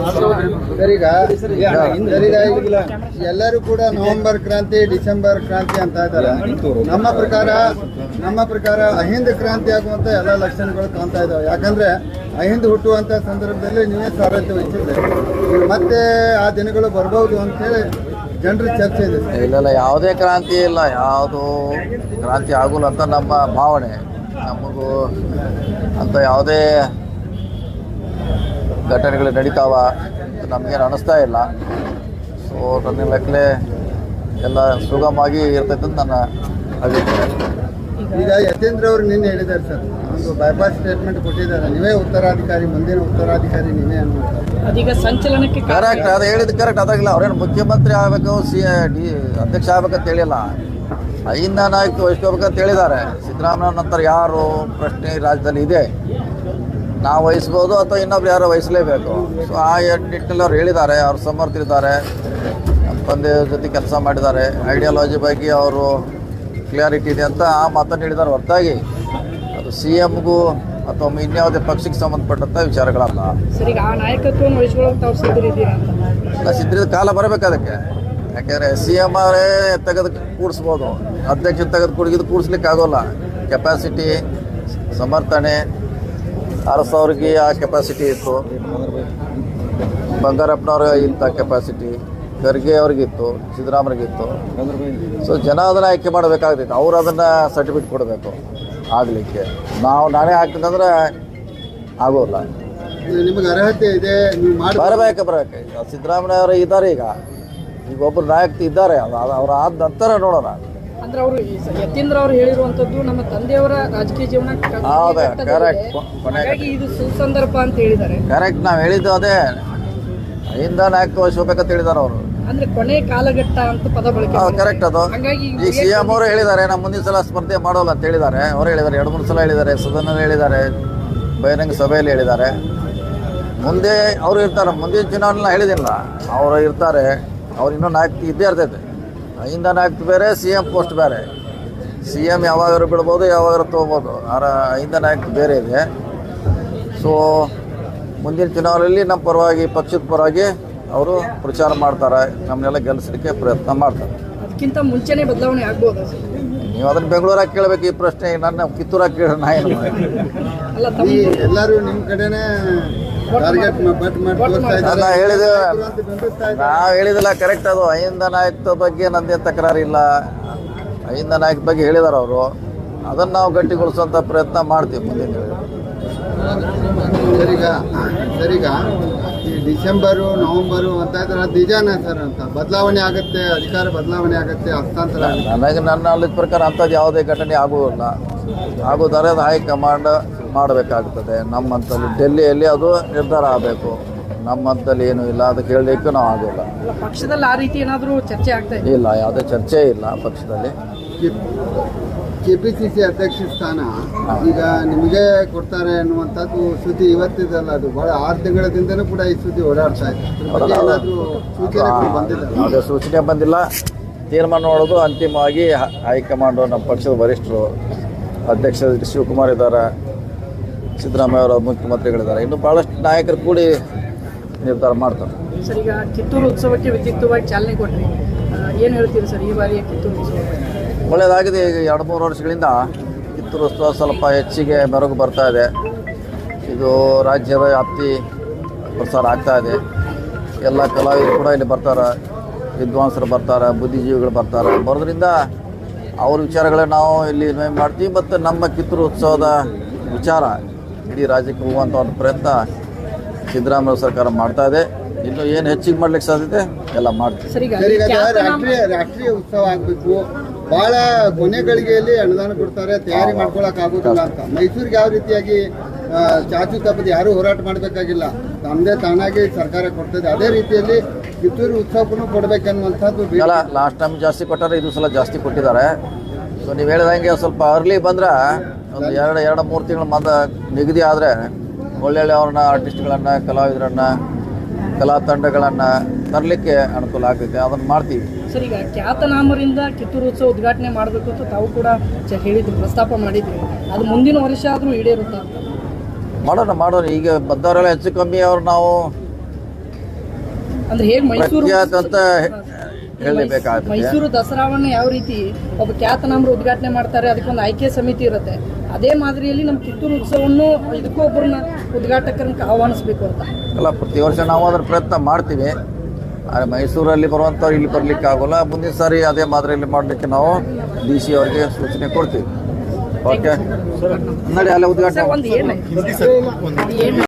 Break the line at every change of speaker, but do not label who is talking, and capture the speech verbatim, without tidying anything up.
Sir ಈಗ ಎಲ್ಲರೂ ಕೂಡ ನವೆಂಬರ್ ಕ್ರಾಂತಿ ಡಿಸೆಂಬರ್ ಕ್ರಾಂತಿ ಅಂತ ಇದ್ದಾರೆ. ನಮ್ಮ ಪ್ರಕಾರ ನಮ್ಮ ಪ್ರಕಾರ ಅಹಿಂದ ಕ್ರಾಂತಿ ಆಗುವಂತ ಎಲ್ಲ ಲಕ್ಷಣಗಳು ಕಾಣ್ತಾ ಇದಾವೆ. ಯಾಕಂದ್ರೆ ಅಹಿಂದ ಹುಟ್ಟುವಂತ ಸಂದರ್ಭದಲ್ಲಿ ನೀವೇ ಸಾರಥ್ಯ ವಹಿಸಿದ್ರೆ ಮತ್ತೆ ಆ ದಿನಗಳು ಬರ್ಬೋದು ಅಂತೇಳಿ ಜನರ ಚರ್ಚೆ ಇದೆ.
ಇಲ್ಲ ಇಲ್ಲ ಯಾವುದೇ ಕ್ರಾಂತಿ ಇಲ್ಲ, ಯಾವುದು ಕ್ರಾಂತಿ ಆಗೋಲ್ಲ ಅಂತ ನಮ್ಮ ಭಾವನೆ. ನಮಗೂ ಅಂತ ಯಾವುದೇ ಘಟನೆಗಳು ನಡೀತಾವ ನಮಗೇನು ಅನ್ನಿಸ್ತಾ ಇಲ್ಲ. ಸೊ ನನ್ನ ಲೆಕ್ಕಲೆ ಎಲ್ಲ ಸುಗಮವಾಗಿ ಇರ್ತೈತೆ ಅಂತ ನನ್ನ ಅಭಿಪ್ರಾಯ.
ಈಗ ಯತೇಂದ್ರ ಅವರು ನಿನ್ನೆ ಹೇಳಿದ್ದಾರೆ ಸರ್, ಒಂದು ಬೈಪಾಸ್ ಸ್ಟೇಟ್ಮೆಂಟ್ ಕೊಟ್ಟಿದ್ದಾರೆ, ನೀವೇ ಉತ್ತರಾಧಿಕಾರಿ, ಮುಂದಿನ ಉತ್ತರಾಧಿಕಾರಿ ನೀವೇ ಅನ್ನುವಂಥದ್ದು.
ಅದೀಗ ಸಂಚಲನಕ್ಕೆ
ಕರೆಕ್ಟ್, ಅದು ಹೇಳಿದ್ದು ಕರೆಕ್ಟ್. ಅದಾಗಿಲ್ಲ ಅವ್ರೇನು ಮುಖ್ಯಮಂತ್ರಿ ಆಗಬೇಕು, ಸಿ ಡಿ ಅಧ್ಯಕ್ಷ ಆಗ್ಬೇಕಂತ ಹೇಳಿಲ್ಲ, ಅಹಿಂದ ನಾಯಕತ್ವ ವಹಿಸ್ಕೋಬೇಕಂತ ಹೇಳಿದ್ದಾರೆ. ಸಿದ್ದರಾಮಯ್ಯ ನಂತರ ಯಾರು ಪ್ರಶ್ನೆ ರಾಜ್ಯದಲ್ಲಿ ಇದೆ, ನಾವು ವಹಿಸ್ಬೋದು ಅಥವಾ ಇನ್ನೊಬ್ರು ಯಾರೋ ವಹಿಸಲೇಬೇಕು. ಸೊ ಆ ನಿಟ್ಟಿನಲ್ಲಿ ಅವ್ರು ಹೇಳಿದ್ದಾರೆ, ಅವ್ರು ಸಮರ್ಥರಿದ್ದಾರೆ, ನಮ್ಮ ತಂದೆಯವ್ರ ಜೊತೆ ಕೆಲಸ ಮಾಡಿದ್ದಾರೆ, ಐಡಿಯಾಲಜಿ ಬಗ್ಗೆ ಅವರು ಕ್ಲಿಯಾರಿಟಿ ಇದೆ ಅಂತ ಆ ಮಾತನ್ನು ಹೇಳಿದ್ದಾರೆ. ಹೊರತಾಗಿ ಅದು ಸಿ ಎಮ್ಗೂ ಅಥವಾ ಇನ್ಯಾವುದೇ ಪಕ್ಷಕ್ಕೆ ಸಂಬಂಧಪಟ್ಟಂಥ ವಿಚಾರಗಳಲ್ಲ.
ಸರಿ, ಆ ನಾಯಕತ್ವವನ್ನು ವಹಿಸ್ಕೊಳ್ಳೋಕೆ ತಾವು ಸಿದ್ಧರಿದ್ದೀರಾ ಅಂತ?
ಇಲ್ಲ, ಸಿದ್ಧರಿದ ಕಾಲ ಬರಬೇಕು ಅದಕ್ಕೆ. ಯಾಕೆಂದರೆ ಸಿ ಎಮ್ ಅವರೇ ತೆಗೆದು ಕೂಡಿಸ್ಬೋದು, ಅಧ್ಯಕ್ಷ ತೆಗೆದು ಕುಡಿದು ಕೂಡಿಸ್ಲಿಕ್ಕೆ ಆಗೋಲ್ಲ. ಕೆಪಾಸಿಟಿ, ಸಮರ್ಥನೆ, ಅರಸು ಅವ್ರಿಗೆ ಆ ಕೆಪಾಸಿಟಿ ಇತ್ತು, ಬಂಗಾರಪ್ಪನವ್ರಿಗೆ ಇಂಥ ಕೆಪಾಸಿಟಿ, ಖರ್ಗೆ ಅವ್ರಿಗಿತ್ತು, ಸಿದ್ದರಾಮಯ್ಯಗಿತ್ತು. ಸೊ ಜನ ಅದನ್ನು ಆಯ್ಕೆ ಮಾಡಬೇಕಾಗ್ತೈತೆ, ಅವ್ರು ಅದನ್ನು ಸರ್ಟಿಫಿಕೇಟ್ ಕೊಡಬೇಕು ಆಗಲಿಕ್ಕೆ. ನಾವು ನಾನೇ ಹಾಕ್ತಿದ್ದಂದ್ರೆ ಆಗೋಲ್ಲ.
ನಿಮಗೆ ಅರ್ಹತೆ ಇದೆ, ನೀವು ಮಾಡಿ
ಬರಬೇಕು ಬರಬೇಕು ಈಗ ಸಿದ್ದರಾಮಯ್ಯ ಅವರು ಇದ್ದಾರೆ. ಈಗ ಈಗ ಒಬ್ಬರು ನಾಯಕ ಇದ್ದಾರೆ, ಅದು ಅವ್ರು ಆದ ನಂತರ ನೋಡೋಣ.
ಅಂದ್ರೆ ಅವರು ಯತೀಂದ್ರ ಅವರು ಹೇಳಿರುವಂತದ್ದು ನಮ್ಮ ತಂದೆಯವರ ರಾಜಕೀಯ ಜೀವನ
ಹೌದು, ಕರೆಕ್ಟ್.
ಹಾಗಾಗಿ ಇದು ಸುಸಂದರ್ಭ ಅಂತ ಹೇಳಿದ್ದಾರೆ.
ಕರೆಕ್ಟ್, ನಾವು ಹೇಳಿದ್ದು ಅದೇ, ಅಹಿಂದ ನಾಯಕತ್ವ ವಹಿಸ್ಬೇಕಂತ ಹೇಳಿದ್ದಾರೆ ಅವರು.
ಅಂದ್ರೆ ಕೊನೆ ಕಾಲಘಟ್ಟ ಅಂತ ಪದ ಬಳಕೆ.
ಕರೆಕ್ಟ್. ಅದು
ಹಾಗಾಗಿ
ಈಗ ಸಿ ಎಂ ಅವರು ಹೇಳಿದ್ದಾರೆ, ನಮ್ಮ ಮುಂದಿನ ಸಲ ಸ್ಪರ್ಧೆ ಮಾಡೋಲ್ಲ ಅಂತ ಹೇಳಿದ್ದಾರೆ. ಅವರು ಹೇಳಿದ್ದಾರೆ, ಎರಡು ಮೂರು ಸಲ ಹೇಳಿದ್ದಾರೆ, ಸದನಲ್ಲಿ ಹೇಳಿದ್ದಾರೆ, ಬಹಿರಂಗ ಸಭೆಯಲ್ಲಿ ಹೇಳಿದ್ದಾರೆ. ಮುಂದೆ ಅವರು ಇರ್ತಾರೆ, ಮುಂದಿನ ಚುನಾವಣೆ ಹೇಳಿದಿಲ್ಲ, ಅವರು ಇರ್ತಾರೆ. ಅವ್ರು ಇನ್ನೂ ನಾಯಕತ್ವ ಇದ್ದೇ ಇರ್ತೈತೆ. ಅಹಿಂದ ನಾಯಕತ್ವ ಬೇರೆ, ಸಿ ಎಂ ಪೋಸ್ಟ್ ಬೇರೆ. ಸಿ ಎಂ ಯಾವಾಗಾರು ಬಿಡ್ಬೋದು, ಯಾವಾಗಾರು ತೊಗೋಬೋದು. ಆರ ಅಹಿಂದ ನಾಯಕತ್ವ ಬೇರೆ ಇದೆ. ಸೊ ಮುಂದಿನ ಚುನಾವಣೆಯಲ್ಲಿ ನಮ್ಮ ಪರವಾಗಿ, ಪಕ್ಷದ ಪರವಾಗಿ ಅವರು ಪ್ರಚಾರ ಮಾಡ್ತಾರೆ, ನಮ್ಮನ್ನೆಲ್ಲ ಗೆಲ್ಲಿಸಲಿಕ್ಕೆ ಪ್ರಯತ್ನ ಮಾಡ್ತಾರೆ.
ಅದಕ್ಕಿಂತ ಮುಂಚೆನೇ ಬದಲಾವಣೆ ಆಗ್ಬೋದಾ ಸರ್?
ನೀವು ಅದನ್ನು ಬೆಂಗಳೂರಾಗ ಕೇಳಬೇಕು ಈ ಪ್ರಶ್ನೆ, ನನ್ನ ಕಿತ್ತೂರಾಗ ಕೇಳ ನಾ ಏನು
ಅಲ್ಲ,
ಈ ಎಲ್ಲರೂ ನಿಮ್ಮ ಕಡೆನೇ ಟಾರ್ಗೆಟ್ ಬಟ್ ಮಾಡಿ ತೋರಿಸ್ತಾ ಇದ್ದಾರೆ.
ನಾನು ಹೇಳಿದ
ಬಿಂಬಿಸ್ತಾ ಇದ್ದಾರೆ.
ನಾವು ಹೇಳಿದಿಲ್ಲ, ಕರೆಕ್ಟ್. ಅದು ಅಹಿಂದ ನಾಯಕತ್ವ ಬಗ್ಗೆ ನಂದೇನು ತಕರಾರಿಲ್ಲ. ಅಹಿಂದ ನಾಯಕ ಬಗ್ಗೆ ಹೇಳಿದಾರೆ ಅವರು, ಅದನ್ನು ನಾವು ಗಟ್ಟಿಗೊಳಿಸುವಂಥ ಪ್ರಯತ್ನ ಮಾಡ್ತೀವಿ ಮುಂದಿನ ದಿನ.
ಸರಿಗ ಸರಿಗ ಈ ಡಿಸೆಂಬರು ನವೆಂಬರು ಅಂತ ಇದ್ರೆ ಅದು ನಿಜಾನ ಸರ್ ಅಂತ ಬದಲಾವಣೆ ಆಗುತ್ತೆ, ಅಧಿಕಾರ ಬದಲಾವಣೆ ಆಗುತ್ತೆ, ಹಸ್ತಾಂತರ ಆಗುತ್ತೆ.
ನನಗೆ ನನ್ನ ನಾಲೆಜ್ ಪ್ರಕಾರ ಅಂಥದ್ದು ಯಾವುದೇ ಘಟನೆ ಆಗುವುದಿಲ್ಲ. ಆಗೋದಾರೆ ಅದು ಹೈಕಮಾಂಡ್ ಮಾಡಬೇಕಾಗ್ತದೆ. ನಮ್ಮಂತಲ್ಲಿ ಡೆಲ್ಲಿಯಲ್ಲಿ ಅದು ನಿರ್ಧಾರ ಆಗಬೇಕು. ನಮ್ಮಂತಲ್ಲಿ ಏನೂ ಇಲ್ಲ, ಅದಕ್ಕೆ ಹೇಳಲಿಕ್ಕೂ ನಾವು ಆಗೋಲ್ಲ.
ಪಕ್ಷದಲ್ಲಿ ಆ ರೀತಿ ಏನಾದರೂ ಚರ್ಚೆ ಆಗ್ತಾ ಇದೆ?
ಇಲ್ಲ, ಯಾವುದೇ ಚರ್ಚೆ ಇಲ್ಲ ಪಕ್ಷದಲ್ಲಿ.
ಕೆ ಪಿ ಸಿ ಸಿ ಅಧ್ಯಕ್ಷ ಸ್ಥಾನ ಈಗ ನಿಮಗೆ ಕೊಡ್ತಾರೆ ಅನ್ನುವಂಥದ್ದು ಸುದ್ದಿ ಇವತ್ತಿದಲ್ಲ, ಅದು ಭಾಳ ಆರು ತಿಂಗಳದಿಂದನೂ ಕೂಡ ಈ ಸುದ್ದಿ ಓಡಾಡ್ತಾ ಇದೆ. ಏನಾದರೂ ಸೂಚನೆ ಬಂದಿಲ್ಲ?
ಯಾವುದೇ ಸೂಚನೆ ಬಂದಿಲ್ಲ. ತೀರ್ಮಾನ ಮಾಡೋದು ಅಂತಿಮವಾಗಿ ಹೈಕಮಾಂಡು, ನಮ್ಮ ಪಕ್ಷದ ವರಿಷ್ಠರು, ಅಧ್ಯಕ್ಷ ಶಿವಕುಮಾರ್ ಇದ್ದಾರೆ, ಸಿದ್ದರಾಮಯ್ಯ ಅವರ ಮುಖ್ಯಮಂತ್ರಿಗಳಿದ್ದಾರೆ, ಇನ್ನು ಭಾಳಷ್ಟು ನಾಯಕರು ಕೂಡಿ ನಿರ್ಧಾರ ಮಾಡ್ತಾರೆ.
ಸರ್, ಈಗ ಕಿತ್ತೂರು ಉತ್ಸವಕ್ಕೆ ವಿದ್ಯುಕ್ತವಾಗಿ ಚಾಲನೆ ಕೊಟ್ಟರೆ ಏನು ಹೇಳ್ತೀರಿ ಸರ್ ಈ ಬಾರಿಯ ಕಿತ್ತೂರು ಉತ್ಸವ?
ಒಳ್ಳೆಯದಾಗಿದೆ. ಈಗ ಎರಡು ಮೂರು ವರ್ಷಗಳಿಂದ ಕಿತ್ತೂರು ಉತ್ಸವ ಸ್ವಲ್ಪ ಹೆಚ್ಚಿಗೆ ಮೆರುಗು ಬರ್ತಾ ಇದೆ. ಇದು ರಾಜ್ಯದ ವ್ಯಾಪ್ತಿ ಪ್ರಸಾರ ಆಗ್ತಾ ಇದೆ. ಎಲ್ಲ ಕಲಾವಿದರು ಕೂಡ ಇಲ್ಲಿ ಬರ್ತಾರೆ, ವಿದ್ವಾಂಸರು ಬರ್ತಾರೆ, ಬುದ್ಧಿಜೀವಿಗಳು ಬರ್ತಾರೆ. ಬರೋದ್ರಿಂದ ಅವ್ರ ವಿಚಾರಗಳನ್ನ ನಾವು ಇಲ್ಲಿ ಇನ್ವೈಟ್ ಮಾಡ್ತೀವಿ. ಮತ್ತು ನಮ್ಮ ಕಿತ್ತೂರು ಉತ್ಸವದ ವಿಚಾರ ಇಡೀ ರಾಜ್ಯಕ್ಕೆ ಹೋಗುವಂಥ ಒಂದು ಪ್ರಯತ್ನ ಸಿದ್ದರಾಮಯ್ಯ ಸರ್ಕಾರ ಮಾಡ್ತಾ ಇದೆ. ಇನ್ನು ಏನು ಹೆಚ್ಚಿಗೆ ಮಾಡ್ಲಿಕ್ಕೆ ಸಾಧ್ಯತೆ ಎಲ್ಲ ಮಾಡ್ತೀವಿ.
ಸರಿಗ ರಾಷ್ಟ್ರೀಯ ರಾಷ್ಟ್ರೀಯ ಉತ್ಸವ ಆಗಬೇಕು, ಭಾಳ ಕೊನೆ ಗಳಿಗೆಯಲ್ಲಿ ಅನುದಾನ ಕೊಡ್ತಾರೆ, ತಯಾರಿ ಮಾಡ್ಕೊಳಕ್ ಆಗೋದಿಲ್ಲ ಅಂತ. ಮೈಸೂರಿಗೆ ಯಾವ ರೀತಿಯಾಗಿ ಚಾಚು ತಪ್ಪದ ಯಾರೂ ಹೋರಾಟ ಮಾಡಬೇಕಾಗಿಲ್ಲ, ತಮ್ಮದೇ ತಾನಾಗಿ ಸರ್ಕಾರ ಕೊಡ್ತದೆ. ಅದೇ ರೀತಿಯಲ್ಲಿ ಕಿತ್ತೂರು ಉತ್ಸವಕ್ಕೂ ಕೊಡಬೇಕನ್ನುವಂಥದ್ದು.
ಅಲ್ಲ, ಲಾಸ್ಟ್ ಟೈಮ್ ಜಾಸ್ತಿ ಕೊಟ್ಟಾರೆ, ಇದು ಸಲ ಜಾಸ್ತಿ ಕೊಟ್ಟಿದ್ದಾರೆ. ಸೊ ನೀವು ಹೇಳಿದಂಗೆ ಸ್ವಲ್ಪ ಅರ್ಲಿ ಬಂದ್ರೆ ಒಂದು ಎರಡು ಎರಡು ಮೂರು ತಿಂಗಳ ಮಂದ ನಿಗದಿ ಆದರೆ ಒಳ್ಳೊಳ್ಳೆ ಅವ್ರನ್ನ ಆರ್ಟಿಸ್ಟ್ಗಳನ್ನು, ಕಲಾವಿದರನ್ನು, ಕಲಾ ತಂಡಗಳನ್ನು ತರಲಿಕ್ಕೆ ಅನುಕೂಲ ಆಗ್ತೈತೆ. ಅದನ್ನು ಮಾಡ್ತೀವಿ.
ಸರ್, ಈಗ ಖ್ಯಾತನಾಮರಿಂದ ಕಿತ್ತೂರು ಉತ್ಸವ ಉದ್ಘಾಟನೆ ಮಾಡಬೇಕು ಅಂತ ತಾವು ಕೂಡ ಹೇಳಿದ್ರು, ಪ್ರಸ್ತಾಪ ಮಾಡಿದ್ವಿ. ಅದು ಮುಂದಿನ ವರ್ಷ ಆದರೂ ಈಡೇರುತ್ತಾ?
ಮಾಡೋಣ ಮಾಡೋಣ ಈಗ ಬಂದವರೆಲ್ಲ ಹೆಚ್ಚು ಕಮ್ಮಿ ಅವ್ರು ನಾವು
ಅಂದ್ರೆ ಹೇಗೆ ಮೈಸೂರು
ಪ್ರಖ್ಯಾತ ಅಂತ ಹೇಳಲೇಬೇಕಾಗುತ್ತೆ.
ಮೈಸೂರು ದಸರಾವನ್ನ ಯಾವ ರೀತಿ ಒಬ್ಬ ಖ್ಯಾತನಾಮರು ಉದ್ಘಾಟನೆ ಮಾಡ್ತಾರೆ, ಅದಕ್ಕೊಂದು ಆಯ್ಕೆ ಸಮಿತಿ ಇರುತ್ತೆ, ಅದೇ ಮಾದರಿಯಲ್ಲಿ ನಮ್ಮ ಕಿತ್ತೂರು ಉತ್ಸವವನ್ನು ಇದಕ್ಕೂ ಒಬ್ಬರನ್ನ ಉದ್ಘಾಟಕರನ್ನ ಆಹ್ವಾನಿಸ್ಬೇಕು ಅಂತ.
ಅಲ್ಲ, ಪ್ರತಿ ವರ್ಷ ನಾವು ಅದರ ಪ್ರಯತ್ನ ಮಾಡ್ತೀವಿ. ಆದರೆ ಮೈಸೂರಲ್ಲಿ ಬರುವಂಥವ್ರು ಇಲ್ಲಿ ಬರಲಿಕ್ಕೆ ಆಗೋಲ್ಲ. ಮುಂದಿನ ಸಾರಿ ಅದೇ ಮಾದರಿಯಲ್ಲಿ ಮಾಡಲಿಕ್ಕೆ ನಾವು ಡಿ ಸಿ ಅವರಿಗೆ ಸೂಚನೆ ಕೊಡ್ತೀವಿ. ಓಕೆ, ನೋಡಿ ಅಲ್ಲೇ ಉದ್ಘಾಟನೆ
ಒಂದು ಏನು